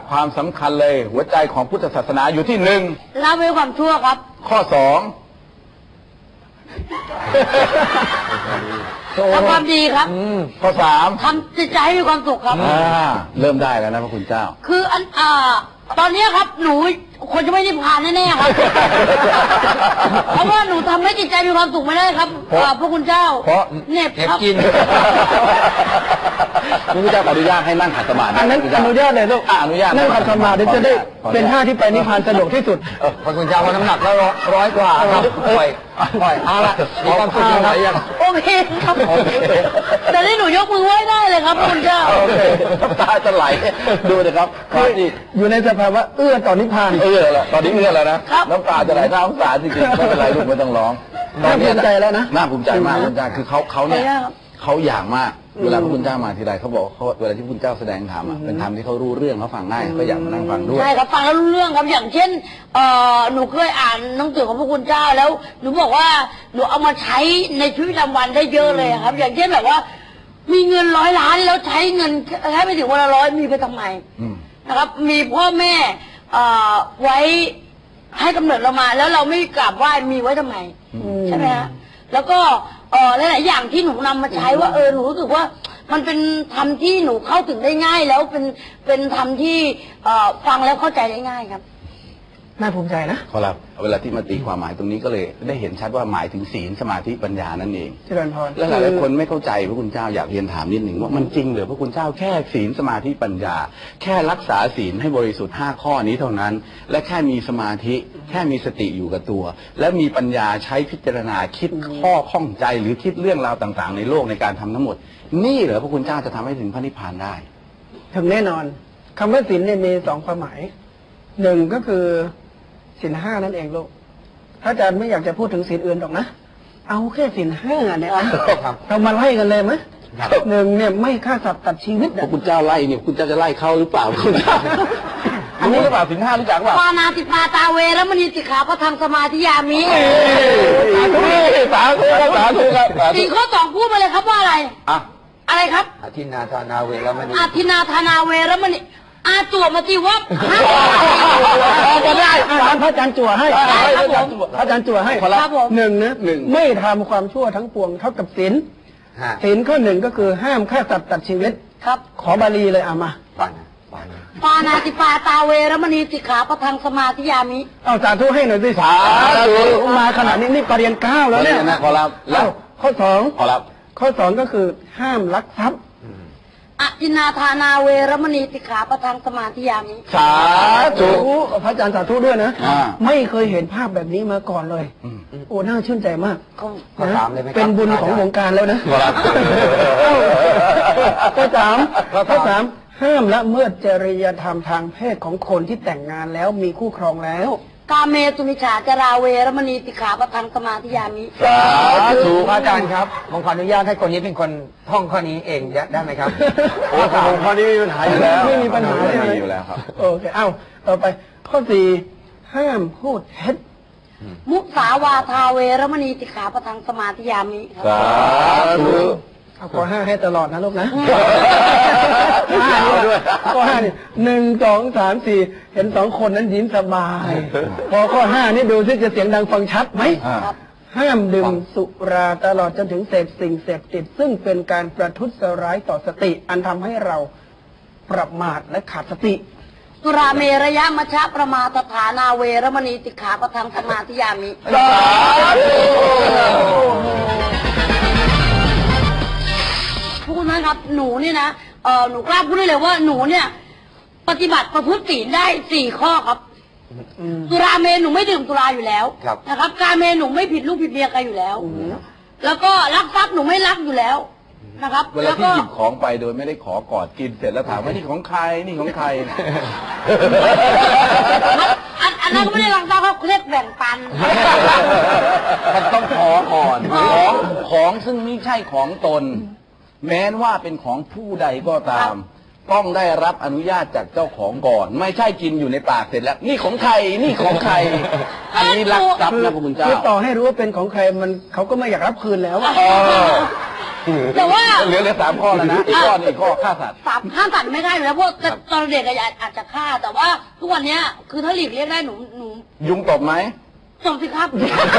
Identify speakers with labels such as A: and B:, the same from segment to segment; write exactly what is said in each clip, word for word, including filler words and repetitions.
A: ความสำคัญเลยหัวใจของพุทธศาสนาอยู่ที่หนึ่ง
B: ละเว้นความชั่วครับ
A: ข้อสอง
B: ทำความดีครับ
A: ข้อสาม
B: ทำจิตใจให้มีความสุขครับ
A: เริ่มได้แล้วนะพระคุณเจ้า
B: คืออันอ่าตอนนี้ครับหนูคนจะไม่ได้ผ่านแน่ๆครับเพราะว่าหนูทำให้จิตใจมีความสุขไม่ได้ครับพระคุณเจ้า
A: เพราะ
B: เน็บครับ
A: กินพระคุณเจ้าอนุญาตให้นั่งขัดสมาธิ
C: อันนั้นอนุญาตเลยลูก
A: อนุญาต
C: นั่งขัดสมาธิจะได้เป็นท่าที่ไปนิพพานสะดวกที่สุด
A: พระคุณเจ้าน้ำหนักแล้วร้อยกว่าครับปล่อยปล่อยเอาละมีความสุขยังไงยัง
B: โอเคครับแต่ที่หนูยกมือไหว้ได้เลยครับพระคุณเจ้า
A: โอเคน้ำตาจะไหลดูนะครับ
C: อยู่ในสภาวะเอื้อต่อนิพพาน
A: เอื้อแล้วตอนนี้เอื้อแล้วนะน้ำตาจะไหลน้ำตาจริงๆไม่เป็นไรลูกไม่ต้องร้อง
C: น่าภูมิใจแล้วนะ
A: น่าภูมิใจมากพระคุณเจ้าคือเขาเขาเนี่ยเขาอย่างมากเวลาพระคุณเจ้ามาทีไรเขาบอกเขาเวลาที่พระคุณเจ้าแสดงธรรมอ่ะเป็นธรรมที่เขารู้เรื่องเขาฟังง่ายเขาอยากมานั่งฟังด้วย
B: ใช่ครับฟังแล้วรู้เรื่องครับอย่างเช่นเอ่อหนูเคยอ่านหนังสือของพระคุณเจ้าแล้วหนูบอกว่าหนูเอามาใช้ในชีวิตประจำวันได้เยอะเลยครับอย่างเช่นแบบว่ามีเงินร้อยล้านแล้วใช้เงินแค่ไม่ถึงวันละร้อยมีไปทำไมนะครับมีพ่อแม่ไว้ให้กำเนิดเรามาแล้วเราไม่กราบไหว้มีไว้ทำไมใช่ไหมฮะแล้วก็เออหลายๆอย่างที่หนูนำมาใช้ว่าเออหนูรู้สึกว่ามันเป็นธรรมที่หนูเข้าถึงได้ง่ายแล้วเป็นเป็นธรรมที่ฟังแล้วเข้าใจได้ง่ายครับ
C: น่าภูมิใจนะ
A: ขอรับเวลาที่มาตีความหมายตรงนี้ก็เลยได้เห็นชัดว่าหมายถึงศีลสมาธิปัญญานั่นเอง
C: เจริญพร
A: และหลายๆคนไม่เข้าใจพระคุณเจ้าอยากเรียนถามนิดหนึ่งว่ามันจริงหรือพระคุณเจ้าแค่ศีลสมาธิปัญญาแค่รักษาศีลให้บริสุทธิ์ห้าข้อนี้เท่านั้นและแค่มีสมาธิแค่มีสติอยู่กับตัวและมีปัญญาใช้พิจารณาคิดข้อข้องใจหรือคิดเรื่องราวต่างๆในโลกในการทำทั้งหมดนี่เหรอพระคุณเจ้าจะทำให้ถึงพระนิพพานได้
C: ถึงแน่นอนคำว่าศีลเนี่ยมีสองความหมายหนึ่งก็คือศีลห้านั่นเองลูกถ้าอาจารย์ไม่อยากจะพูดถึงศีลอื่นหรอกนะเอาแค่ศีลห้าเนี่ยเรามาไล่กันเลยไหมหนึ่งเนี่ยไม่ฆ่าสัตว์ตัดชีวิต
A: พระคุณเจ้าไล่เนี่ยคุณเจ้าจะไล่เขาหรือเปล่าคุณเจ้าอันนี้หรือเปล่าศีลห้ารู้จักเปล่า
B: ปานาติปาตาเวรมณีสิกขาพระธรรมสมาธิยามิ
A: สาธุครับสาธุครับ
B: สี่ข้อสองพูดมาเลยครับว่าอะไร
A: อะ
B: อะไรครับ
A: อธินาทานาเวรมณี
B: อธินาทานาเวรมณีอาจั่วมาที่วัด
C: ก็ได้พระอาจารย์จั่วให้พระอาจารย์จั่วให้หนึ่งนะไม่ทำความชั่วทั้งปวงเท่ากับศีลศีลข้อหนึ่งก็คือห้ามฆ่าสัตว์ตัดชีวิต
B: ครับ
C: ขอบาลีเลยเอามา
B: ปานาติปาตาเวรมณีสิกขาพระธรรมสมาธิยามิ
C: เอาสาธุให้หน่อยสิสาธุมาขนาดนี้นี่ปรริญญาเก้าแล้วเนี่ย
A: ขอรับ
C: แล้วข้อสอง
A: ขอรับ
C: ข้อสองก็คือห้ามลักทรัพย์
B: อธินาทานาเวรมณีสิกขาพระธรรมสมาธิยามิ
A: สาธุ
C: พระอาจารย์สาธุด้วยนะไม่เคยเห็นภาพแบบนี้มาก่อนเลยโอ้น่าชื่นใจมากเป็นบุญของวงการแล้วนะข้อสามข้อสามห้ามละเมิดจริยธรรมทางเพศของคนที่แต่งงานแล้วมีคู่ครองแล้ว
B: กาเมสุมิจฉาจาราเวรมณีสิกขาพระธรรมสมาธิยามิ
A: สาธุ
D: พระอาจารย์ครับผมขออนุญาตให้คนนี้เป็นคนท่องข้อนี้เองได้ไหมครับ
A: โอ้ข้อนี้ไม่มีปัญหาอยู่แล้ว
C: ไม่มีปัญหา
A: อยู่แล้วครับ
C: โอเคเอ้าต่อไปข้อสี่ห้ามพูดเท็จ
B: มุสาวาทาเวรมณีสิกขาพระธรรมสมาธิยามิ
A: สาธุ
C: เอาข้อห้าให้ตลอดนะลูกนะห้าด้วยข้อห้านี่หนึ่งสองสามสี่เห็นสองคนนั้นยิ้มสบายพอข้อห้านี่ดูซิจะเสียงดังฟังชัดไหมห้ามดื่มสุราตลอดจนถึงเสพสิ่งเสพติดซึ่งเป็นการประทุษร้ายต่อสติอันทำให้เราประมาทและขาดสติ
B: สุราเมรยะมัชฌะประมาทฐานาเวรมณีสิกขาพระธรรมสมาธิยามิ
A: สาธุ
B: ทุกคนนะครับหนูนี่นะเออหนูกล้าพูดได้เลยว่าหนูเนี่ยปฏิบัติประพฤติศีลได้สี่ข้อครับสุราเมหนูไม่ดื่มสุราอยู่แล้วนะครับกาเมหนูไม่ผิดลูกผิดเมียใครอยู่แล้วแล้วก็ลักทรัพย์หนูไม่ลักอยู่แล้วนะครับ
A: เวลาที่หยิบของไปโดยไม่ได้ขอกอดกินเสร็จแล้วถามว่านี่ของใครนี่ของใคร
B: อันนั้นก็ไม่ได้ลักทรัพย์เขาเรียกแบ่งปัน
A: มันต้องขอก่อนของของซึ่งไม่ใช่ของตนแม้ว่าเป็นของผู้ใดก็ตามต้องได้รับอนุญาตจากเจ้าของก่อนไม่ใช่กินอยู่ในปากเสร็จแล้วนี่ของใครนี่ของใครอันนี้ลักทรัพย์นะพระคุณเจ้า
C: คือต่อให้รู้ว่าเป็นของใครมันเขาก็ไม่อยากรับคืนแล้ว
B: แต่ว่า
A: เหลือเหลือสามข้อแล้วนะอีกข้อหนึงอีกข้อฆ่าสัตว์
B: สามฆ่าสัตว์ไม่ได้อยู่แล้วเพราะ
A: ครับ
B: ตอนเด็กอะอาจจะฆ่า แต่ว่าทุกวันเนี้ยคือถ้าหลีกเลี่ยงได้หนูหนู
A: ยุงตบไหม
B: จบสิครับ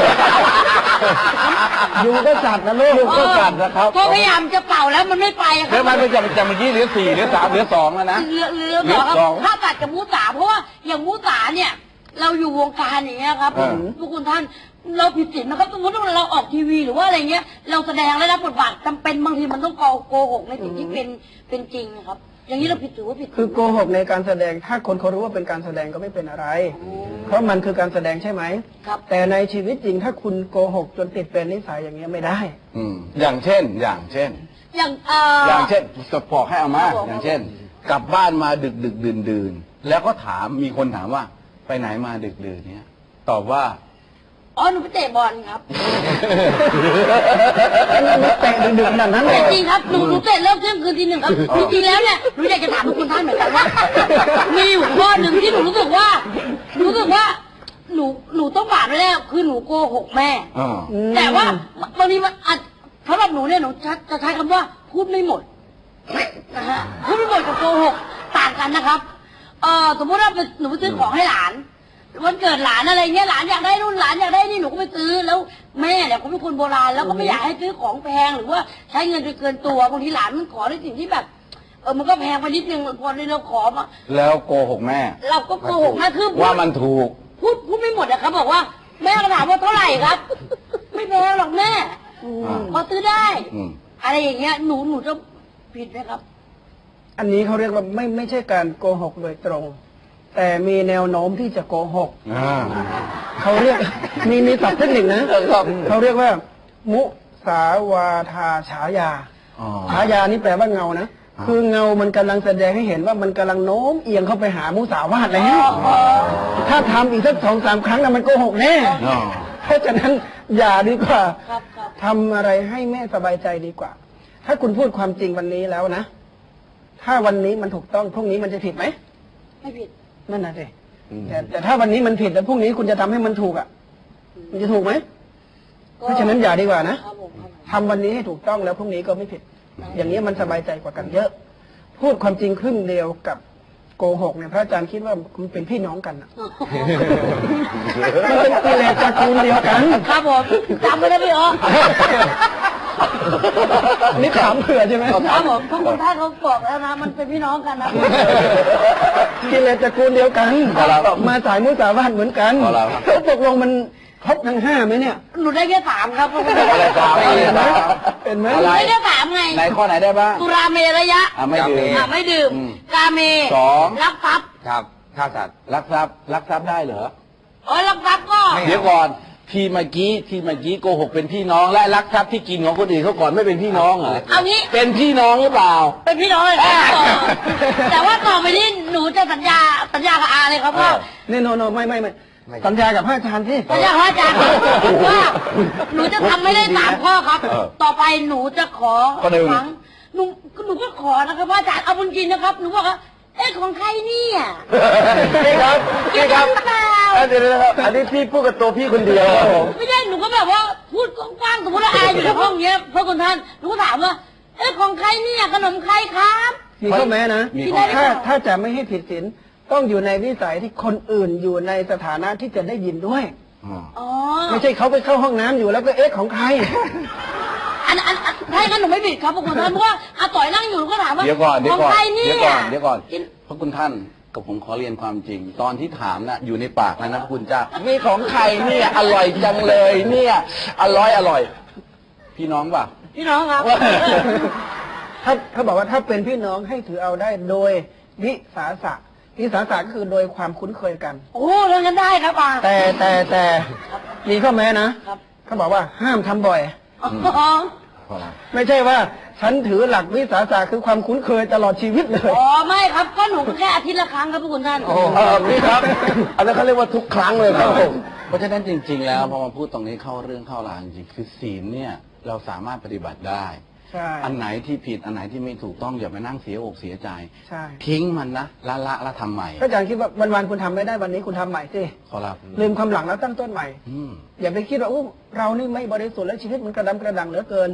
C: ยุงก็สัตว์นะลูก
A: ยุงก็สัตว์นะครับ
B: ก็พยายามจะเป่าแล้วมันไม่ไปครั
A: แล้วมันไปจะจะเมื่อกี้เหลือสี่เหลือสามเหลือสองแล้วนะ
B: เหลือเหลือสองครับ
A: เหลือสอง
B: ฆ่าสัตว์กับมูสาเพราะว่าอย่างมูสาเนี่ย เราอยู่วงการอย่างเงี้ยครับ
A: เออ
B: ทุกคนท่านเราผิดศีลนะครับสมมติว่าเราออกทีวีหรือว่าอะไรเงี้ย เราแสดงและรับบทบาทจำเป็นบางทีมันต้องโกหกในสิ่งที่เป็นเป็นจริงนะครับ อย่างนี้เราผิดถือว่าผิด
C: คือโกหกในการแสดงถ้าคนเขารู้ว่าเป็นการแสดงก็ไม่เป็นอะไร เพราะมันคือการแสดงใช่ไหม
B: ครับ
C: แต่ในชีวิตจริงถ้าคุณโกหกจนติดเป็นนิสัยอย่างเงี้ยไม่ได้
A: อืมอย่างเช่น อย่างเช่น
B: อย่างเอ่อ
A: อย่างเช่นกระบอกให้เอามา
B: ครับผม
A: อย่างเช่น กลับบ้านมาดึกดึกดื่นดื่นแล้วก็ถามมีคนถามว่าไปไหนมาดึกดื่นเนี้ยตอบว่า
B: อ๋อหนูไปเตะบอลครับ
C: เตะดึกๆขนาดนั้นเล
B: แต่
C: ย
B: จริงครับหนูหนูเตะเลิกเที่ยงคืนทีหนึ่งครับจริงๆแล้วเนี่ยหนูอยากจะถามทุกคนท่านเหมือนกันว่า มีอยู่ข้อหนึ่งที่หนูรู้สึกว่าหนูรู้สึกว่า หนูหนูต้องบาปแน่ๆคือหนูโกหกแม่
A: อ่า
B: แต่ว่าบางทีมันอาจสำหรับหนูเนี่ยหนูจะจะใช้คำว่าพูดไม่หมดนะฮะพูดไม่หมดกับโกหกต่างกันนะครับเอ่อสมมติว่าหนูไปซื้อของให้หลานวันเกิดหลานอะไรเงี้ยหลานอยากได้นู่นหลานอยากได้นี่หนูก็ไปซื้อแล้วแม่เนี่ยเขาเป็นคนโบราณแล้วก็ไม่อยากให้ซื้อของแพงหรือว่าใช้เงินจนเกินตัวบางทีหลานมันขอในสิ่งที่แบบเออมันก็แพงไปนิดนึงพอเราขอมา
A: แล้วโกหกแม่
B: เราก็โกหกแม่คือพูด
A: ว่ามันถูก
B: พูดพูดไม่หมดอะครับบอกว่าแม่ก็ถามว่าเท่าไหร่ครับ ไม่แพงหรอกแม่
A: อ่า
B: พอซื้อได้
A: อืม
B: อะไรอย่างเงี้ยหนูหนูจะผิดไหมครับ
C: อันนี้เขาเรียกว่าไม่ไม่ใช่การโกหกโดยตรง แต่มีแนวโน้มที่จะโกหก
A: อ่า
C: เขาเรียก มีมีศัพท์เทคนิคนะเขาเรียกว่า มุสาวาทาฉายา
A: อ๋อ
C: ฉายานี่แปลว่าเงานะ
A: อ่า
C: คือเงามันกำลังแสดงให้เห็นว่ามันกำลังโน้มเอียงเข้าไปหามุสาวาทแล้ว ถ้าทำอีกสักสองสามครั้งนะมันโกหกแน่
A: อ๋อ
C: เพราะฉะนั้นอย่าดีกว่า
B: ครับครับ
C: ทำอะไรให้แม่สบายใจดีกว่า ถ้าคุณพูดความจริงวันนี้แล้วนะ ถ้าวันนี้มันถูกต้องพรุ่งนี้มันจะผิดไหม
B: ไม่ผิด
C: นั่นน่ะสิ
A: อืม
C: แต่แต่ถ้าวันนี้มันผิดแล้วพรุ่งนี้คุณจะทำให้มันถูกอ่ะ มันจะถูกไหม
B: ก็
C: เพราะฉะนั้นอย่าดีกว่านะครับ
B: ผมครับผม
C: ทำวันนี้ให้ถูกต้องแล้วพรุ่งนี้ก็ไม่ผิด อย่างนี้มันสบายใจกว่ากันเยอะ พูดความจริงครึ่งเดียวกับโกหกเนี่ยพระอาจารย์คิดว่ามันเป็นพี่น้องกันอะมันเป็นกิเลสตระกูลเดียวกัน
B: ครับผมจำไม่ได้พี่อ๋อ
C: อันนี้ถามเผื่อใช่ไหม
B: ครับผมทุกคนท่านเขาบอกแล้วนะมันเป็นพี่น้องกันนะ
C: กิเลสตระกูลเดียวกัน
A: ครับ
C: มาสายมุสาวาทเหมือนกัน
A: ครับ
C: แล้วตกลงมันครบทั้งห้าไหมเนี่ย
B: หนูได้แค่สามครับเพราะว่า
A: อะไรสามอะไรสาม
C: เป็นไหม
A: อะไร
B: ได้แค่สามไง
A: ไหนข้อไหนได้บ้าง
B: สุราเมระยะ
A: อ่ะไม่ดื่ม
B: อ่ะไม่ดื่ม
A: อืม
B: กาเม
A: สอง
B: รักทรัพย์
D: ครับฆ่าสัตว์
A: ลักทรัพย์ลักทรัพย์ได้เหรอ
B: อ๋อรักทรัพย์ก็
D: ไม่
A: เดี๋ยวก่อนทีเมื่อกี้ทีเมื่อกี้โกหกเป็นพี่น้องและลักทรัพย์ที่กินของคนอื่นเขาก่อนไม่เป็นพี่น้องเหรอ
B: เอางี้
A: เป็นพี่น้องหรือเปล่า
B: เป็นพี่น้องเลยครับต่อแต่ว่าต่อไปนี้หนูจะสัญญาสัญญากับอาเลยครับว่า
C: นี่โนโนไม่ไม่ไม่
D: ไม่
C: สัญญากับพระอาจารย์ที่
B: สัญญากับอาจารย์ว่าหนูจะทำไม่ได้สามข้อครับ
A: เออ
B: ต่อไปหนูจะขอ
A: ข้อหนึ่ง
B: ครั้งหนูหนูก็ขอนะครับว่าอาจารย์เอาจริงๆนะครับหนูบอกว่าเอ๊ะของใครเนี่ย
A: พี่ครับพี่ครับ
B: หรือเปล่า
A: เดี๋ยวนะครับอันนี้พี่พูดกับตัวพี่คนเดียวครับผม
B: ไม่ใช่หนูก็แบบว่าพูดกว้างๆสมมติว่าอาอยู่ในห้องเนี้ยพระคุณท่านหนูก็ถามว่าเอ๊ะของใครเนี่ยขนมใครครับ
C: มีข้อแม้นะ
A: มีข้อแม้
C: ถ้าถ้าจะไม่ให้ผิดศีลต้องอยู่ในวิสัยที่คนอื่นอยู่ในสถานะที่จะได้ยินด้วย
A: อ๋อ
B: อ๋อ
C: ไม่ใช่เขาไปเข้าห้องน้ำอยู่แล้วก็เอ๊ะของใคร
B: อันอันอันถ้าอย่างนั้นหนูไม่ผิดครับพระคุณท่านเพราะว่าอาต่อยนั่งอยู่หนูก็ถามว่า
A: เดี๋ยวก่อนเดี๋ย
B: ข
A: ว
B: อง
A: ก่อน
B: ใครเนี่
A: เดี๋ยวย ก่อนเดี๋ยวก่อนเพราะคุณท่านกับผมขอเรียนความจริง ตอนที่ถามนะอยู่ในปากแล้วนะพระคุณเจ้านี่ของใครเนี่ยอร่อยจังเลยเนี่ยอร่อยอร่อย พี่น้องป่ะ
B: พี่น้องครับ
C: ถ้าเขาบอกว่าถ้าเป็นพี่น้องให้ถือเอาได้โดยวิสาสะวิสาสะก็คือโดยความคุ้นเคยกัน
B: โอ้เรื่องนั้นได้ครับอา
C: แต่แต่แต่มีข้อแม้นะครับ เขาบอกว่าห้ามทำบ่อย
B: อ๋อ
C: ไม่ใช่ว่าฉันถือหลักวิสาสะคือความคุ้นเคยตลอดชีวิตเลย
B: อ๋อไม่ครับก็หนูก็แค่อาทิตย์ละครั้งครับพระคุณท่าน
A: เออพี่ครับ อันนั้นเขาเรียกว่าทุกครั้งเลยครับผมเพราะฉะนั้นจริง ๆ แล้วพอมาพูดตรงนี้เข้าเรื่องเข้าราวจริงๆคือศีลเนี่ยเราสามารถปฏิบัติได้
C: ใช่
A: อันไหนที่ผิดอันไหนที่ไม่ถูกต้องอย่ามานั่งเสียอกเสียใจ
C: ใช่
A: ทิ้งมันนะละละละทำใหม่
C: ก็อาจารย์คิดว่าวันๆคุณทำไม่ได้วันนี้คุณทำใหม่สิ
A: ขอรับ
C: ลืมความหลังแล้วตั้งต้นใหม่
A: อืม
C: อย่าไปคิดว่าอู้เรานี่ไม่บริสุทธิ์แล้วชีวิตมันกระดำกระดังเหลือเกิน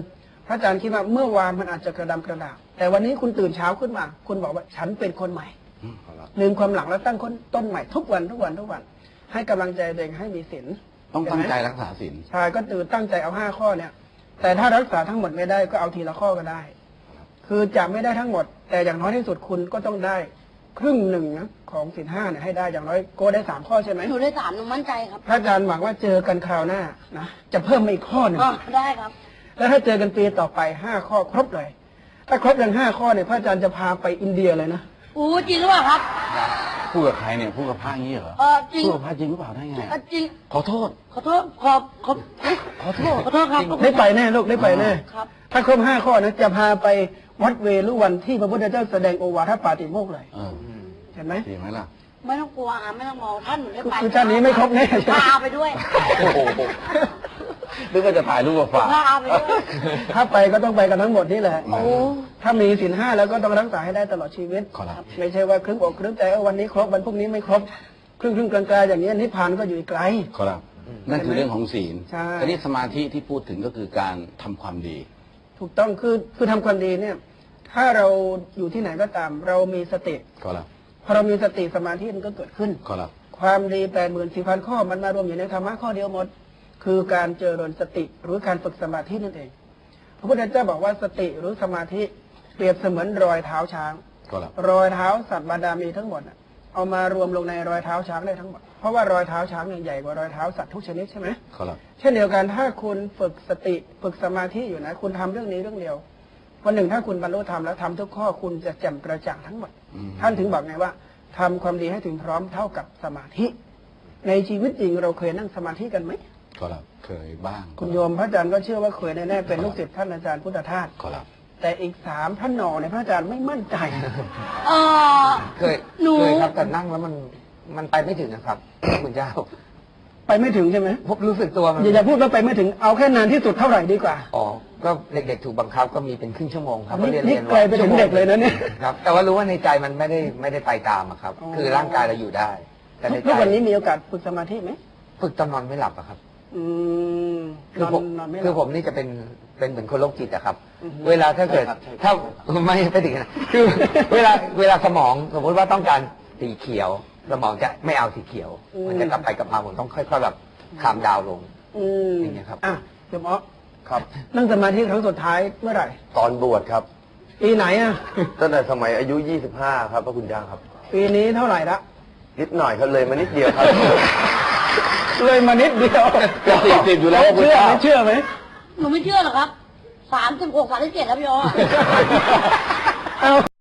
C: พระอาจารย์คิดว่าเมื่อวานมันอาจจะกระดำกระด่างแต่วันนี้คุณตื่นเช้าขึ้นมา คุณบอกว่าฉันเป็นคนใหม่
A: อืมขอรับ
C: ลืมความหลังแล้วตั้งต้นใหม่ทุกวันทุกวันทุกวัน ให้กำลังใจตัวเองให้มีศีล
A: ต้องตั้งใจ
C: เห็นไหม
A: รักษาศีล
C: ใช่ก็ตื่นตั้งใจเอาห้าข้อเนี่ย แต่ถ้ารักษาทั้งหมดไม่ได้ก็เอาทีละข้อก็ได้ คือจะไม่ได้ทั้งหมด แต่อย่างน้อยที่สุดคุณก็ต้องได้ครึ่งหนึ่งนะของศีลห้าเนี่ยให้ได้อย่างน้อยโกได้สามข้อใช่ไหม
B: หนูได้สามหนูมั่นใจครับ
C: พระอาจารย์หวังว่าเจอกันคราวหน้านะจะเพิ่มมาอีกข้อหนึ่ง
B: อ๋อได้ครับ
C: แล้วถ้าเจอกันปีต่อไปห้าข้อครบเลย ถ้าครบอย่างห้าข้อเนี่ยพระอาจารย์จะพาไปอินเดียเลยนะ
B: อู้จริงหรือเปล่าครับ
A: พูดกับใครเนี่ยพูดกับพระอย่างนี้เหรอ
B: เออจริง
A: พูดกับพระจริงหรือเปล่าได้ไง
B: เออจริง
A: ขอโทษ
B: ขอโทษขอขอขอโทษขอโทษครับ
C: ได้ไปแน่ลูกได้ไปแน่
B: ครับ
C: ถ้าครบห้าข้อนะจะพาไปวัดเวรุวันที่พระพุทธเจ้าแสดงโอวาทปาติโมกข์เลย
A: เออ
C: เห็นไหม
A: ดีไหมล่ะ
B: ไม่ต้องกลัวอ่ะไม่ต้องมองท่านหนูได้ไป
C: คือชาตินี้ไม่ครบแน่ใช่ไหม
B: พาไปด้วย
A: โอ้โหนึกว่าจะถ่ายรูปมาฝาก
B: พาไปด้วย
C: ถ้าไปก็ต้องไปกันทั้งหมดนี่แหละ
A: โอ้
C: ถ้ามีศีลห้าแล้วก็ต้องรักษาให้ได้ตลอดชีวิต
A: ขอรับ
C: ไม่ใช่ว่าครึ่งอกครึ่งใจเออวันนี้ครบวันพรุ่งนี้ไม่ครบ ครึ่งครึ่งกลางๆอย่างนี้นิพพานก็อยู่อีกไกล
A: ขอรับนั่นคือเรื่องของศีล
C: ใช่
A: แต่นี่สมาธิที่พูดถึงก็คือการทำความดี
C: ถูกต้องคือคือทำความดีเนี่ย ถ้าเราอยู่ที่ไหนก็ตาม เรามีสติ
A: ขอรับ
C: พอเรามีสติสมาธิมันก็เกิดขึ้น
A: ขอรับ
C: ความดีแปดหมื่นสี่พันข้อมันมารวมอยู่ในธรรมะข้อเดียวหมด คือการเจริญสติหรือการฝึกสมาธินั่นเอง พระพุทธเจ้าบอกว่าสติหรือสมาธิเปรียบเสมือนรอยเท้าช้าง
A: ขอรับ
C: รอยเท้าสัตว์บาดาลมีทั้งหมดน่ะเอามารวมลงในรอยเท้าช้างได้ทั้งหมด เพราะว่ารอยเท้าช้างเนี่ยใหญ่กว่ารอยเท้าสัตว์ทุกชนิดใช่ไหม
A: ขอรับ
C: เช่นเดียวกันถ้าคุณฝึกสติฝึกสมาธิอยู่นะ คุณทำเรื่องนี้เรื่องเดียววันหนึ่งถ้าคุณบรรลุธรรมแล้วทำทุกข้อคุณจะแจ่มกระจ่างทั้งหมด
A: อืม
C: ท่านถึงบอกไงว่าทำความดีให้ถึงพร้อมเท่ากับสมาธิ ในชีวิตจริงเราเคยนั่งสมาธิกันไหม
A: ขอรับเคยบ้าง
C: คุณโยมพระอาจารย์ก็เชื่อว่าเคยแน่ๆเป็นลูกศิษย์ท่านอาจารย์พุทธทาส
A: ขอรับ
C: แต่อีกสามท่านหนอในยพระอาจารย์ไม่มั่นใจ
B: เออ
D: เคย
B: หนู
D: เคยครับแต่นั่งแล้วมันมันไปไม่ถึงนะครับคุณเจ้า
C: ไปไม่ถึงใช่ไหม
D: ผมรู้สึกตัวมัน
C: อย่าอย่าพูดว่าไปไม่ถึงเอาแค่นานที่สุดเท่าไหร่ดีกว่า
D: อ๋อก็เด็กๆถูกบังคับก็มีเป็นครึ่งชั่วโมงครับ
C: นี่
D: ก็เรียน
C: นี่
D: เรียน
C: ไกลไปถึงเด็กเลยนะเนี่ย
D: ครับ แต่ว่ารู้ว่าในใจมันไม่ได้ไม่ได้ไปตามอะครับ
C: อ๋อ
D: คือร่างกายเราอยู่ได้ แต่ใน
C: ทุ
D: ใจ
C: กวันนี้มีโอกาสฝึกสมาธิไหม
D: ฝึกตอนนอนไม่หลับอะครับ
C: อืม
D: คื
C: น
D: อ
C: อน
D: ผม
C: นอนไม่ห
D: คื
C: ลั
D: อบ ผมนี่จะเป็นเป็นเหมือนคนโรคจิตอะครับ
C: อือฮึ
D: เวลาถ้าเกิด
A: ใช่ครับใช่ครับ
D: ถ้าไม่ไม่ถึงขนาดคือเวลาเวลาสมองสมมติว่าต้องการสีเขียว สมองจะไม่เอาสีเขียว มันจะกลับไปกลับมาผมต้องค่อยๆแบบคามดาวลง
C: อืม
D: อย่างเงี้ยครับ
C: อ่ะเดี๋ยวหมอ
E: ครับ
C: นั่งสมาธิครั้งสุดท้ายเมื่อไหร่
E: ตอนบวชครับ
C: ปีไหนอ่ะ
E: ตั้งแต่สมัยอายุ ยี่สิบห้า ครับพระคุณเจ้าครับ
C: ปีนี้เท่าไหร่ละ
E: นิดหน่อยครับเลยมานิดเดียวครับ
C: เลยมานิดเดียว
A: จะสี่สิบอยู่แล้ว
C: เชื่อไหมเชื่อไหม
B: หนูไม่เชื่อหรอกครับสามสิบหกสามสิบเจ็ดแล้วพี่อ๋อ
C: เอา